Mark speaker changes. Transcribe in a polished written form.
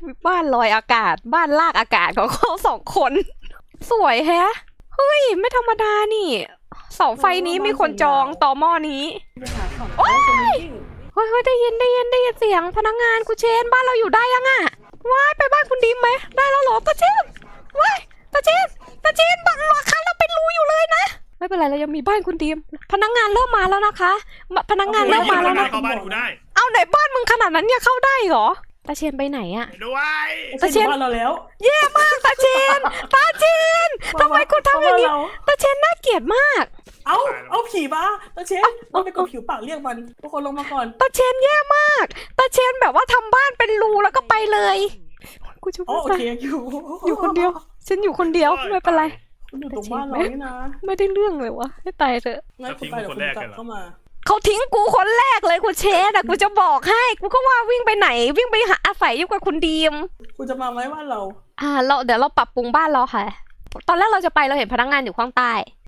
Speaker 1: บ้านลอยอากาศบ้านลากอากาศของเขา2 คน สวยแฮะเฮ้ยไม่ธรรมดานี่เสาไฟนี้มีคนจองต่อหม้อนี้
Speaker 2: ไปหาของเขาคนนี้
Speaker 1: เฮ้ยได้ยินเสียงพนักงานกูเชนบ้านเราอยู่ได้ยังอะว้ายไปบ้านคุณดิมไหมได้แล้วเหรอตาเชนว้ายตาเชนบ้านราคาเราเป็นรูอยู่เลยนะไม่เป็นไรเรายังมีบ้านคุณดิมพนักงานเริ่มมาแล้วนะคะพนักงานเริ่มมาแล้วนะ
Speaker 3: เข้าบ้านกูได้
Speaker 1: เอาไหนบ้านมึงขนาดนั้นเนี่ยเข้าได้เหรอตาเชนไปไหนอะ
Speaker 3: ด้วย
Speaker 2: ตาเชนบ้านเราแล้ว
Speaker 1: แย่มากตาเชนทำไมคุณทำอย่างนี้ตาเชนน่าเกลียดมาก
Speaker 2: เอาผีมาตาเชนเราไปกดผิวปากเรียกมันทุกคนลงมาก่อน
Speaker 1: ตาเชนแย่มากตาเชนแบบว่าทำบ้านเป็นรูแล้วก็ไปเลยกูจะ
Speaker 2: อ๋อ
Speaker 1: ไม่
Speaker 2: โอ
Speaker 1: ไป
Speaker 2: เค
Speaker 1: อยู่คนเดียวฉันอยู่คนเดียวไม่เป็นไร
Speaker 2: คุณอยู่ตรงบ้านเรานี่นะ
Speaker 1: ไม่ได้เรื่องเลยวะให้ตายเถอะ
Speaker 2: งั้นคุณไปเดี๋ยวคุณกลับเข้ามา
Speaker 1: เขาทิ้งกูคนแรกเลยกูเชนอะกูจะบอกให้กูก็ว่าวิ่งไปไหนวิ่งไปหาอาศัยอยู่กับคุณดีม
Speaker 2: คุณจะมาไหมบ้านเรา
Speaker 1: เดี๋ยวเราปรับปรุงบ้านเราค่ะ ตอนแรกเราจะไปเราเห็นพนักงานอยู่ข้างใต้